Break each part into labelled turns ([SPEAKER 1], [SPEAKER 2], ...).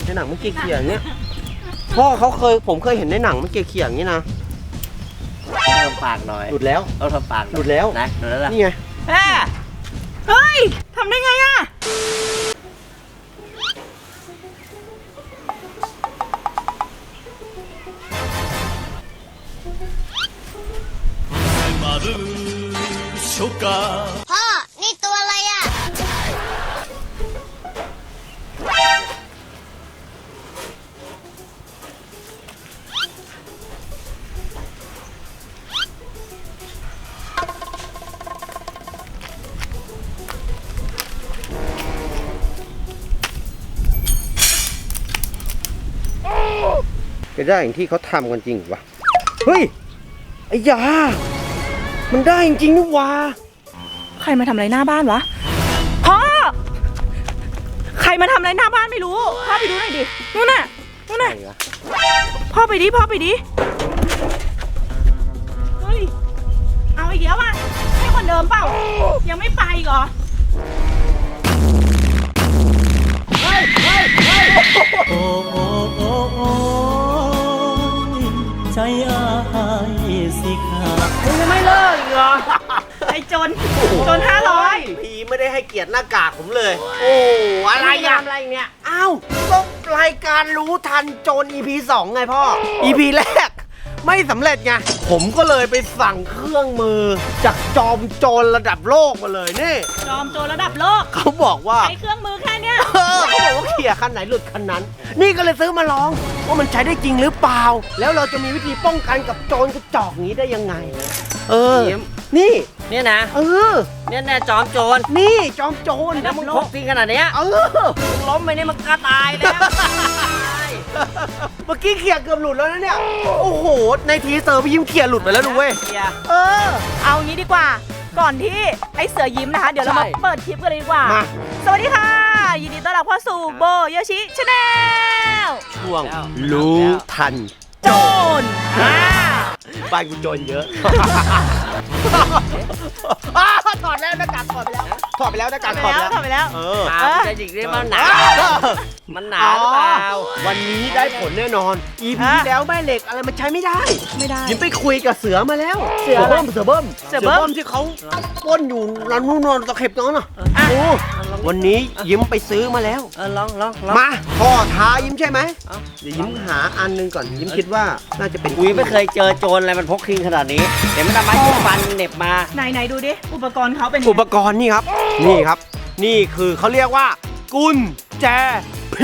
[SPEAKER 1] ในหนังมันเขี่ยๆอย่างเงี้ยพ่อผมเคยเห็นในหนังมันเขี่ยๆอย่างนี้นะ
[SPEAKER 2] ทำปากหน่อย
[SPEAKER 1] หลุดแล้ว
[SPEAKER 2] เอาทำปาก
[SPEAKER 1] หลุดแล้ว
[SPEAKER 2] นะหลุดแล้วล่ะ
[SPEAKER 1] นี่ไง
[SPEAKER 3] เฮ้ยทำได้ไงอะ
[SPEAKER 4] พ่อ นี่ตัวอะไรอ่ะ
[SPEAKER 1] จะได้อย่างที่เขาทำกันจริงวะเฮ้ยไอ้ยามันได้จริงๆนี่วะ
[SPEAKER 3] ใครมาทำอะไรหน้าบ้านวะพ่อใครมาทำอะไรหน้าบ้านไม่รู้พ่อไปดูหน่อยดินู่นน่ะพ่อไปดิเฮ้ยเอาอีกแล้วอ่ะให้คนเดิมเปล่ายังไม่ไปอีกเหรอ
[SPEAKER 2] โอ้โอ้โอ้โอ้ใจอายสิขาด
[SPEAKER 1] มึงยังไม่เลิกอีกเหรอ
[SPEAKER 3] ไอ้จน500
[SPEAKER 1] พี่ไม่ได้ให้เกียรติหน้ากากผมเลยโอ้อะไรเนี่ยอ้าวก็รายการรู้ทันโจร EP 2ไงพ่อ EP แรกไม่สำเร็จไงผมก็เลยไปสั่งเครื่องมือจากจอมโจรระดับโลกมาเลยนี่
[SPEAKER 3] จอมโจรระดับโลก
[SPEAKER 1] เขาบอกว่า
[SPEAKER 3] ใช้เครื่องมือแค่เนี้ย
[SPEAKER 1] เขาบอกว่าเขี่ยคันไหนหลุดคันนั้นนี่ก็เลยซื้อมาลองว่ามันใช้ได้จริงหรือเปล่าแล้วเราจะมีวิธีป้องกันกับโจรกระจอกนี้ได้ยังไงนี่
[SPEAKER 2] เนี่ยนะเนี่ยจอมโจร
[SPEAKER 1] นี่จอมโจร
[SPEAKER 2] แล้วมึงพกจริงขนาดเนี้ยมึงล้มไปนี่มึงก็ตายแล้ว
[SPEAKER 1] เมื่อกี้เขี่ยเกือบหลุดแล้วนะเนี่ยโอ้โหในทีเซอร์พี่ยิ้มเขี่ยหลุดไปแล้วดูเว้ย
[SPEAKER 3] เอางี้ดีกว่าก่อนที่ไอ้เสือยิ้มนะคะเดี๋ยวเรามาเปิดคลิปกันเลยดีกว่าสวัสดีค่ะยินดีต้อนรับเข้าสู่โบโยชิชาแนล
[SPEAKER 1] ช่วงรู้ทัน
[SPEAKER 3] โจร
[SPEAKER 1] บ้านกูโจรเยอะถอดแล้วหน้ากากถอดไปแล้วหน้ากากถอด
[SPEAKER 3] ไปแล้ว
[SPEAKER 2] จะจิกได้มันหนาหรือเปล่า
[SPEAKER 1] วันนี้ได้ผลแน่นอน EP แล้วแม่เหล็กอะไรมันใช้ไม่ได้ยิ้มไปคุยกับเสือมาแล้วเสือเบิ้มที่เขาป้นอยู่ร้านนู่นตะเข็บน้องน่ะวันนี้ยิ้มไปซื้อมาแล้ว
[SPEAKER 2] ลอง
[SPEAKER 1] มาพ่อท้ายิ้มใช่ไหมเดี๋ยวยิ้มหาอันนึงก่อนยิ้มคิดว่าน่าจะเป็น
[SPEAKER 2] ไม่เคยเจอโจรอะไรมันพกคิงขนาดนี้เดี๋ยวมันทำไมจิ้มฟันเหน็บมา
[SPEAKER 3] ไหนดูดิอุปกรณ์เขาเป็น
[SPEAKER 1] อุปกรณ์นี่ครับนี่คือเขาเรียกว่ากุญแจผี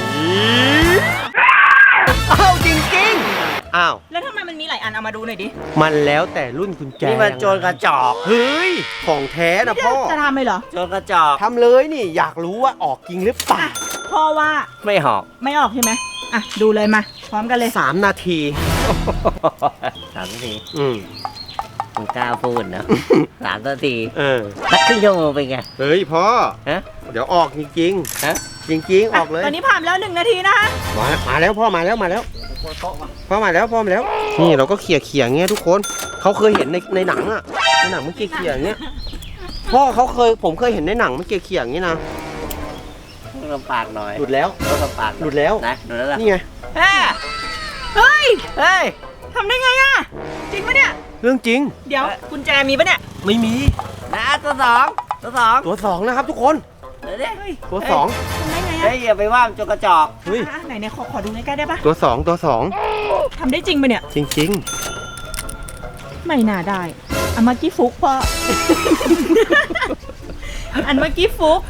[SPEAKER 1] จริง
[SPEAKER 3] แล้วทำไมมันมีหลายอันเอามาดูหน่อยดิ
[SPEAKER 1] มันแล้วแต่รุ่นกุญแจ
[SPEAKER 2] นี่มันโจรกระจอก
[SPEAKER 1] เฮ้ยของแท้นะพ่อ
[SPEAKER 3] จะทำเลยเหรอ
[SPEAKER 2] โจรกระจอก
[SPEAKER 1] ทำเลยนี่อยากรู้ว่าออกจริงหรือเปล่า
[SPEAKER 3] พ่อว่า
[SPEAKER 2] ไม่ออก
[SPEAKER 3] ใช่ไหมดูเลยมาพร้อมกันเลย
[SPEAKER 1] 3 นาที
[SPEAKER 2] มึงกล้าพูดนะ3 นาทีสักครึ่งชั่วโมงเป็นไง
[SPEAKER 1] เฮ้ยพ่อเดี๋ยวออกจริงจริงออกเลย
[SPEAKER 3] ตอนนี้ผ่านแล้ว1 นาทีนะคะ
[SPEAKER 1] มาแล้วพ่อมาแล้วพ่อมาแล้วนี่เราก็เขี่ยเงี้ยทุกคนเขาเคยเห็นในหนังอะในหนังมันเขี่ยเงี้ยพ่อผมเคยเห็นในหนังมันเขี่ยอย่างนี้นะ
[SPEAKER 2] ทำปากหน่อย
[SPEAKER 1] หลุดแล้ว
[SPEAKER 2] ทำปาก
[SPEAKER 1] หลุดแล้ว
[SPEAKER 2] นะหลุดแล้วล่ะ
[SPEAKER 1] นี่ไง
[SPEAKER 3] เฮ้ยทำได้ไงอะจริงปะเนี่ย
[SPEAKER 1] เรื่องจริง
[SPEAKER 3] เดี๋ยวกุญแจมีปะเนี่ย
[SPEAKER 1] ไม่มี
[SPEAKER 2] นะตัวสอง
[SPEAKER 1] นะครับทุกคนตัว2
[SPEAKER 3] ทำได้ไงอะ
[SPEAKER 2] อย่าไปว่าโจรกระจอก
[SPEAKER 3] ไหนขอดูใกล้ๆได้ปะ
[SPEAKER 1] ตัว2
[SPEAKER 3] ทำได้จริงปะเนี่ย
[SPEAKER 1] จริง
[SPEAKER 3] ไม่น่าได้อันเมื่อกี้ฟุกพ่ออันเมื่อกี้ฟุก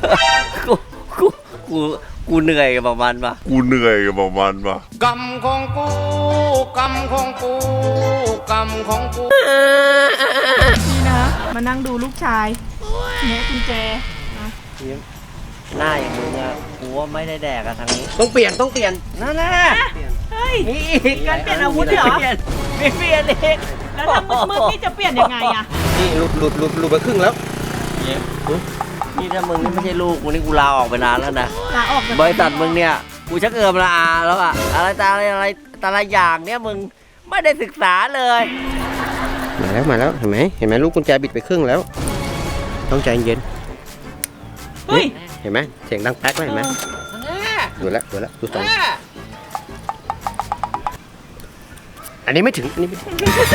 [SPEAKER 2] กูเหนื่อยกับมันปะ
[SPEAKER 5] กรรมของกู
[SPEAKER 3] นี่นะมานั่งดูลูกชายเนี่ยกุญแจ
[SPEAKER 2] หน้าอย่างมึงอะกูว่าไม่ได้แดกอะทางนี้
[SPEAKER 1] ต้องเปลี่ยน
[SPEAKER 2] นั่นแหละ
[SPEAKER 3] เฮ้ยการเปลี่ยนอาวุธเหรอ
[SPEAKER 2] ไม่เปลี่ยนเอง
[SPEAKER 3] แล้วถ้ามือนี่จะเปลี่ยนยังไงอะ
[SPEAKER 1] นี่หลุดไปครึ่งแล้ว
[SPEAKER 2] นี่ถ้ามึงไม่ใช่ลูกมึงนี่กูลาออกไปนานแล้วนะ
[SPEAKER 3] ลาออก
[SPEAKER 2] บริษัทมึงเนี่ยกูชักละอาแล้วอะอะไรแต่ละอย่างเนี่ยมึงไม่ได้ศึกษาเลย
[SPEAKER 1] มาแล้วเห็นไหมลูกกุญแจบิดไปครึ่งแล้วต้องใจเย็นเห็นไหมเสียงดังแป๊กเลยเห็นไหมดูแล้วดูตรงอันนี้ไม่ถึงอันนี้ไม่ถึง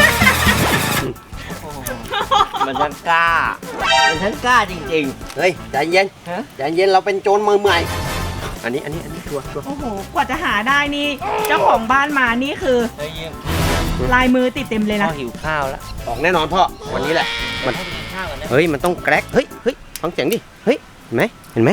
[SPEAKER 2] มันช่างกล้า มันช่างกล้าจริง
[SPEAKER 1] เฮ้ยใจเย็น
[SPEAKER 2] ฮะ
[SPEAKER 1] ใจเย็นเราเป็นโจรมือใหม่อันนี้ชัวร์
[SPEAKER 3] โอ้โห กว่าจะหาได้นี่ เจ้าของบ้านมานี่คือ
[SPEAKER 2] ๆเฮ้ยยิ้ม
[SPEAKER 3] ลายมือติดเต็มเลย
[SPEAKER 2] พ่
[SPEAKER 3] นะ
[SPEAKER 2] อหิวข้าวแล้ว
[SPEAKER 1] ออกแน่นอนพ่อวันนี้แหละ มัน
[SPEAKER 2] พ่อไปกินข้าวกันนะ
[SPEAKER 1] เฮ้ยมันต้องแกรกเฮ้ยฟังเสียงดิเฮ้ยเห็นไหมเห็นไหม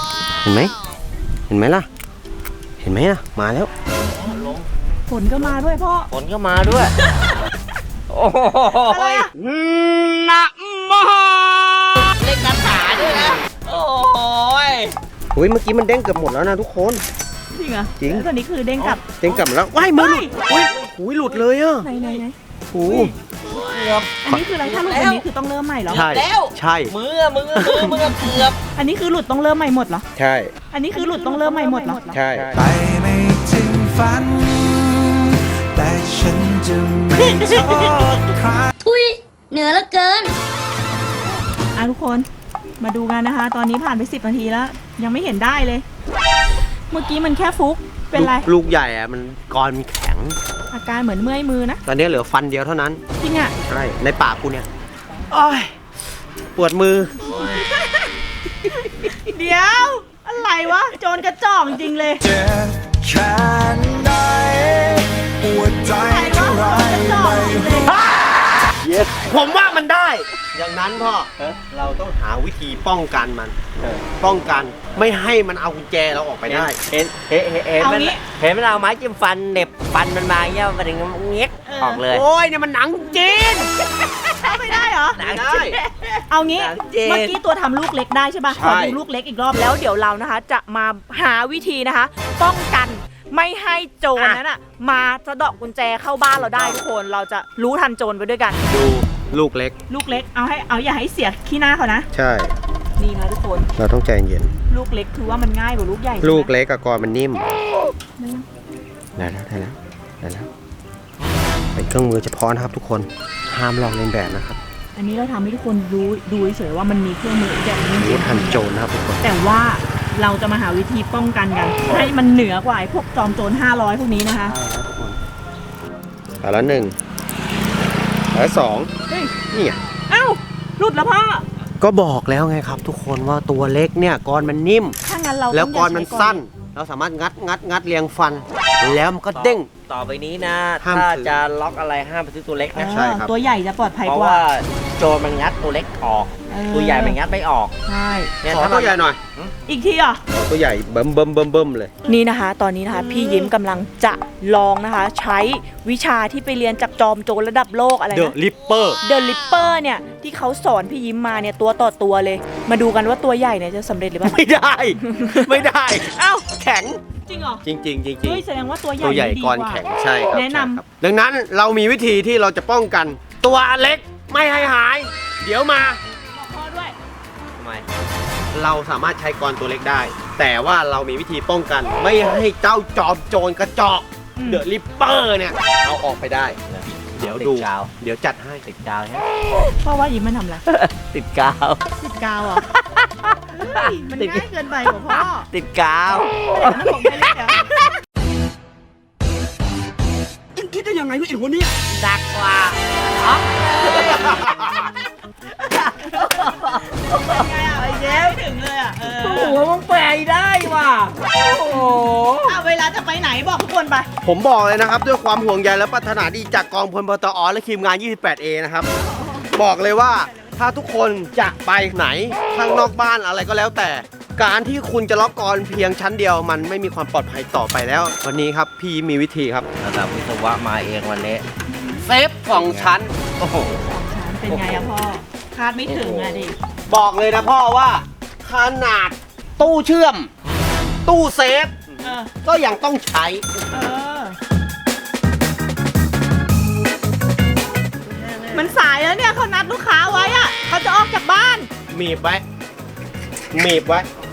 [SPEAKER 1] ล่ะเห็นไหมล่ะมาแล้ว
[SPEAKER 2] ลง
[SPEAKER 3] ฝนก็มาด้วยพ่อ
[SPEAKER 2] ฝนก็มาด้วย โอ้โห
[SPEAKER 3] อะไรอะ
[SPEAKER 2] นะมหาเล่นคาถาด้วยนะ โอ้ย
[SPEAKER 1] เฮ้ยเมื่อกี้มันเด้งเกือบหมดแล้วนะทุกคน
[SPEAKER 3] จริงเหรอ
[SPEAKER 1] จริง
[SPEAKER 3] แล้วตัวนี้คือเด้งกลับ
[SPEAKER 1] เด้งกลับมาแล้วว้ายมือหลุดอุ้ยหลุดเลยอ่ะ
[SPEAKER 3] ไหน
[SPEAKER 1] โอ้
[SPEAKER 2] เกือบ
[SPEAKER 3] อันนี้คืออะไรถ้าหลุดอันนี้คือต้องเริ่มใหม่เหรอ
[SPEAKER 1] ใช่
[SPEAKER 2] แล้ว
[SPEAKER 1] ใช่
[SPEAKER 2] มือเกือบ
[SPEAKER 3] อันนี้คือหลุดต้องเริ่มใหม่หมดเหรอ
[SPEAKER 1] ใช่
[SPEAKER 3] อันนี้คือหลุดต้องเริ่มใหม่หมดเหรอ
[SPEAKER 1] ใช่
[SPEAKER 6] ไปไม่ถึงฝัน แต่ฉันจะไม่โทษใคร
[SPEAKER 4] ทุยเหนือเหลือเกิน
[SPEAKER 3] อ่ะทุกคนมาดูกันนะคะ ตอนนี้ผ่านไป10 นาทีแล้ว ยังไม่เห็นได้เลย เมื่อกี้มันแค่ฟุกเป็นไร
[SPEAKER 1] ลูกใหญ่อะมันกรมันแข็ง
[SPEAKER 3] อาการเหมือนเมื่อยมือนะ
[SPEAKER 1] ตอนนี้เหลือฟันเดียวเท่านั้น
[SPEAKER 3] จริงอ่ะ
[SPEAKER 1] ใช่ในปากกูเนี่ยอ้อยปวดมือ
[SPEAKER 3] เดี๋ยว อะไรวะ โจรกระจอกจริงเลย
[SPEAKER 6] เจ็บแค่ไหนปวดใจ
[SPEAKER 3] อะไรวะ
[SPEAKER 6] เท่าไร
[SPEAKER 3] โจรกระจอก
[SPEAKER 6] ไม่
[SPEAKER 3] จริงเลย
[SPEAKER 1] ผมว่ามันได้ อย่างนั้นพ่อเราต้องหาวิธีป้องกันมัน ป้องกันไม่ให้มันเอากุญแจเราออกไปได้
[SPEAKER 2] เห็นมันเห็นมันเอาไม้จิ้มฟันเหน็บฟันมันมาเงี้ยมันถึงเงี้ยออกเลย
[SPEAKER 1] โอ้ยเนี่ยมันหนังจีน
[SPEAKER 3] เข้าไม่ได้เหรอ
[SPEAKER 2] หนัง
[SPEAKER 1] ได้
[SPEAKER 2] จีน
[SPEAKER 3] เอางี้
[SPEAKER 2] หนังเจน
[SPEAKER 3] เมื่อกี้ตัวทำลูกเล็กได้ใช่ป่ะ
[SPEAKER 1] ใช่
[SPEAKER 3] ขอดูลูกเล็กอีกรอบแล้วเดี๋ยวเรานะคะ จะมาหาวิธีนะคะ ป้องกันไม่ให้โจรนั้นอ่ะ มาสะเดาะกุญแจเข้าบ้านเราได้ทุกคนเราจะรู้ทันโจรไปด้วยกัน
[SPEAKER 1] ดูลูกเล็ก
[SPEAKER 3] ลูกเล็กเอาอย่าให้เสียขี้หน้าเขานะ
[SPEAKER 1] ใช่
[SPEAKER 3] นี่นะทุกคน
[SPEAKER 1] เราต้องใจเย็น
[SPEAKER 3] ลูกเล็กคือว่ามันง่ายกว่าลูกใหญ่ใช่ไหม
[SPEAKER 1] ลูกเล็กกับกรมันนิ่ม
[SPEAKER 3] ได้ไหม
[SPEAKER 1] ได้แล้วเป็นเครื่องมือเฉพาะนะครับทุกคนห้ามลองเลียนแบบนะครับ
[SPEAKER 3] อันนี้เราทำให้ทุกคนรู้ดูเฉยๆว่ามันมีเครื่องมืออีกแบบนึง
[SPEAKER 1] รู้ทันโจรนะครับทุกคน
[SPEAKER 3] แต่ว่าเราจะมาหาวิธีป้องกันกัน ให้มันเหนือกว่าไอ้พวกจอมโจร500พวกนี้นะคะ
[SPEAKER 1] ไปแล้วหนึ่งไปแล้วสอง
[SPEAKER 3] เฮ้ย
[SPEAKER 1] นี่ไง
[SPEAKER 3] เอ้าหลุดแล้วพ่อ
[SPEAKER 1] ก็บอกแล้วไงครับ ทุกคนว่าตัวเล็กเนี่ยกรมันนิ่ม
[SPEAKER 3] ถ้างั้นเรา
[SPEAKER 1] แล้ว
[SPEAKER 3] ต้อง
[SPEAKER 1] กรมันสั้น เราสามารถงัดเรียงฟัน แล้วมันก็เด้ง
[SPEAKER 2] ต่อไปนี้นะ
[SPEAKER 1] ห้าม
[SPEAKER 2] ถ้า
[SPEAKER 1] ซื้อ
[SPEAKER 2] จะล็อกอะไรห้ามไปซื้อตัวเล็ก
[SPEAKER 3] เอ
[SPEAKER 2] นะ
[SPEAKER 3] อ
[SPEAKER 1] ใช่ครับ
[SPEAKER 3] ตัวใหญ่จะปลอดภัย
[SPEAKER 2] เพราะ
[SPEAKER 3] กว่า
[SPEAKER 2] ว่าโจรมันงัดตัวเล็กออก
[SPEAKER 3] เออ
[SPEAKER 2] ตัวใหญ่มันงัดไม่ออก
[SPEAKER 3] ใช่
[SPEAKER 2] เนี่ย
[SPEAKER 1] ขอ
[SPEAKER 2] ถ้า
[SPEAKER 1] ตัวใหญ่หน่อย
[SPEAKER 3] อีกทีเหรอ่ะ
[SPEAKER 1] ขอตัวใหญ่เบิ่มเลย
[SPEAKER 3] นี่นะคะ ตอนนี้นะคะ พี่ยิ้มกำลังจะลองนะคะ ใช้วิชาที่ไปเรียนจากจอมโจรระดับโลกอะไร
[SPEAKER 1] เดอะ
[SPEAKER 3] นะ
[SPEAKER 1] ลิปเปอร์
[SPEAKER 3] เดอะลิปเปอร์เนี่ยที่เขาสอนพี่ยิ้มมาเนี่ยตัวต่อตัวเลย มาดูกันว่าตัวใหญ่เนี่ยจะสำเร็จหรือเปล่า
[SPEAKER 1] ไม่ได้ ไม่ได้
[SPEAKER 3] เอ้า
[SPEAKER 1] แข็ง
[SPEAKER 3] จริงเหรอ
[SPEAKER 1] จริงๆจริง
[SPEAKER 3] เฮ้ยแสดงว่าตัวใหญ่
[SPEAKER 1] ตัวใหญ่
[SPEAKER 3] ดี
[SPEAKER 1] กร
[SPEAKER 3] ว่า
[SPEAKER 1] แข็งใช่ครับ
[SPEAKER 3] แนะนำ
[SPEAKER 1] ใช่ครับดังนั้นเรามีวิธีที่เราจะป้องกัน ตัวเล็กไม่ให้หาย เดี๋ยวมา
[SPEAKER 3] บอกพ่อด้วย
[SPEAKER 2] ทำไม
[SPEAKER 1] เราสามารถใช้กรตัวเล็กได้ แต่ว่าเรามีวิธีป้องกัน ไม่ให้เจ้าจอมโจรกระจอก
[SPEAKER 3] อืม
[SPEAKER 1] เดอะลิปเปอร์เนี่ยเอาออกไปได้ เดี๋ยวดู
[SPEAKER 2] ติกาว
[SPEAKER 1] เดี๋ยวจัดให้
[SPEAKER 2] ติดกาวใช่ไหม
[SPEAKER 3] พ่อว่ายิ้มมันทำอะไร
[SPEAKER 2] ติดกาว
[SPEAKER 3] ติดกาวเหรอเฮ้ยมันง่ายเกินไปกว่าพ่อ
[SPEAKER 2] ติดกาว
[SPEAKER 3] มันของไปเลยเหรอ
[SPEAKER 1] คิดได้ยังไงวะไอ้หัวเนี่ย
[SPEAKER 2] ดักกว่า
[SPEAKER 3] ไงอ่ะไอ้เจ๊ไม่ถึงเลยอ่ะเออ
[SPEAKER 2] โอ้โหมันแปลได้ว่ะ โอ้โห
[SPEAKER 3] เวลาจะไปไหนบอกทุกคนไป
[SPEAKER 1] ผมบอกเลยนะครับ ด้วยความห่วงใยและปรารถนาดีจากกองพลปตอและทีมงาน 28A นะครับ บอกเลยว่าถ้าทุกคนจะไปไหนข้างนอกบ้านอะไรก็แล้วแต่ การที่คุณจะล็อกกรเพียงชั้นเดียวมันไม่มีความปลอดภัยต่อไปแล้ว วันนี้ครับพี่มีวิธีครับ
[SPEAKER 2] ระดับวิศวะมาเองวันนี้
[SPEAKER 1] เซฟ2 ชั้น
[SPEAKER 2] โอ้โห
[SPEAKER 3] เป็นไงอะพ่อ คาดไม่ถึงอะดิ
[SPEAKER 1] บอกเลยนะพ่อว่าขนาดตู้เชื่อม ตู้เซฟ
[SPEAKER 3] เออ
[SPEAKER 1] ก็ยังต้องใช้
[SPEAKER 3] เออ มันสายแล้วเนี่ยเขานัดลูกค้าไว้อะเขาจะออกจากบ้าน
[SPEAKER 1] มีบไว้มีบไว้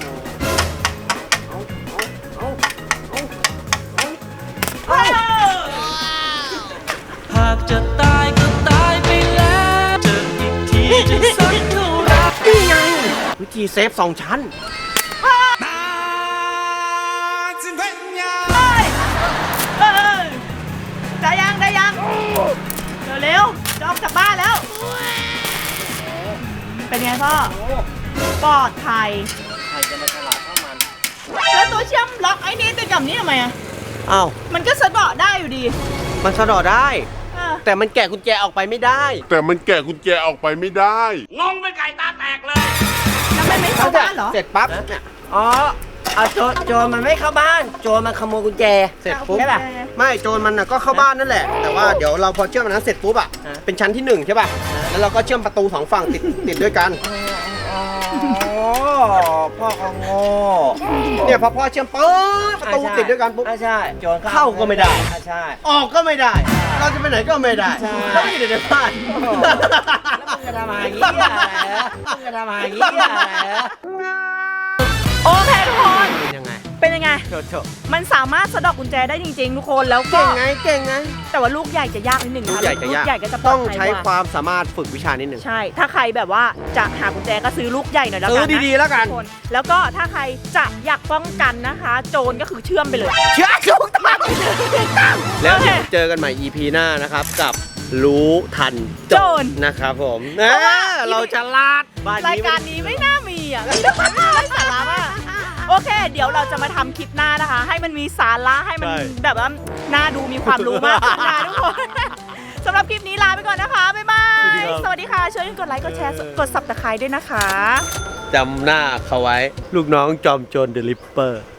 [SPEAKER 6] หากจะตายก็ตายไปแล้วเจออีกทีจะสักเท่าไร
[SPEAKER 1] นี่ไงวิธีเซฟ2 ชั้น
[SPEAKER 6] ตาจ
[SPEAKER 3] กลับบ้านแล้ว เป็นไงพ่อปลอดภัย
[SPEAKER 2] ใครจะมาฉลาดเท่ามัน
[SPEAKER 3] แล้วตัวเชื่อมล็อกไอ้นี่ติดกับนี้ทำไมอะ
[SPEAKER 1] อ้าว
[SPEAKER 3] มันก็สะเดาะได้อยู่ดี
[SPEAKER 1] มันสะดอได้
[SPEAKER 3] เออ
[SPEAKER 1] แต่มันแกะกุญแจออกไปไม่ได้
[SPEAKER 5] แต่มันแกะกุญแจออกไปไม่ได้
[SPEAKER 3] แล้วมันไม่เข้าบ้านเหรอ
[SPEAKER 1] เสร็จปั๊บเนี่ย
[SPEAKER 2] อ๋อเอาโจรมันไม่เข้าบ้าน โจรมันขโมยกุญแจ
[SPEAKER 1] เสร็จปุ๊บ
[SPEAKER 2] ใช่ป่ะ
[SPEAKER 1] ไม่โจรมันน่ะก็เข้าบ้านนั่นแหละ แต่ว่าเดี๋ยวเราพอเชื่อมอันนั้นเสร็จปุ๊บอ่ะ
[SPEAKER 2] ฮะ
[SPEAKER 1] เป็นชั้นที่1ใช่ป่ะ แล้วเราก็เชื่อมประตู2ฝั่งติดด้วยกัน
[SPEAKER 2] อ๋อพ่อก็โง่
[SPEAKER 1] เนี่ยพอพ่อเชื่อมปุ๊บประตูติดด้วยกันปุ๊บ
[SPEAKER 2] ใช่โจร
[SPEAKER 1] เข้าก็ไม่ได้
[SPEAKER 2] ใช่
[SPEAKER 1] ออกก็ไม่ได้ เราจะไปไหนก็ไม่ได้
[SPEAKER 2] ใช่
[SPEAKER 1] แล้วก็อยู่ในบ้าน
[SPEAKER 2] แล้วมึงจะทำอะไรอย่างเงี้ยเหรอมึงจะทำอะไรอย่างเงี้ยเหรอ
[SPEAKER 3] โอเคทุกคน
[SPEAKER 1] เป็นยังไง
[SPEAKER 3] เป็นยังไง
[SPEAKER 1] โถ
[SPEAKER 3] มันสามารถสะดอกกุญแจได้จริงๆทุกคน แล้วก็
[SPEAKER 1] เก่งไง
[SPEAKER 3] แต่ว่าลูกใหญ่จะยากนิดหนึ่ง
[SPEAKER 1] ลู
[SPEAKER 3] นะ
[SPEAKER 1] กใหญ่จะยาก
[SPEAKER 3] ลูกใหญ่ก็จะปล
[SPEAKER 1] ต้
[SPEAKER 3] อ
[SPEAKER 1] อ
[SPEAKER 3] ด
[SPEAKER 1] ง
[SPEAKER 3] ภัย
[SPEAKER 1] ใช้
[SPEAKER 3] ก
[SPEAKER 1] ความสามารถฝึกวิชานิดหนึ่ง
[SPEAKER 3] ใช่ ถ้าใครแบบว่าจะหากุญแจก็ซื้อลูกใหญ่หน่อยแล้ว
[SPEAKER 1] ซื้
[SPEAKER 3] กั
[SPEAKER 1] อน
[SPEAKER 3] นะ
[SPEAKER 1] ดีๆแล้วกัน
[SPEAKER 3] ทุกคน แล้วก็ถ้าใครจะอยากป้องกันนะคะ โจรก็คือเชื่อมไปเลย
[SPEAKER 1] เชื่อถูกต้องแล้ว
[SPEAKER 3] โอเค
[SPEAKER 1] เดี๋ยวเจอกันใหม่ EP หน้านะครับ กับรู้ทัน
[SPEAKER 3] โจร
[SPEAKER 1] นะครับผม
[SPEAKER 3] เพราะว่า
[SPEAKER 1] เราจะลาดบ้าน
[SPEAKER 3] ราย
[SPEAKER 1] นี้
[SPEAKER 3] การนี้ไม่น่ามีอ่ะไม่ได้สาระมากโอเค เดี๋ยวเราจะมาทำคลิปหน้านะคะ ให้มันมีสาระให้มันแบบว่าน่าดูมีความรู้มากขึ้นนะทุกคนสำหรับคลิปนี้ลาไปก่อนนะคะ บ๊ายบาย สวัสดีค่ะ ช่วยกดไลค์ กดแชร์ กด Subscribe ด้วยนะคะ
[SPEAKER 1] จำหน้าเขาไว้ ลูกน้องจอมโจรเดลิปเปอร์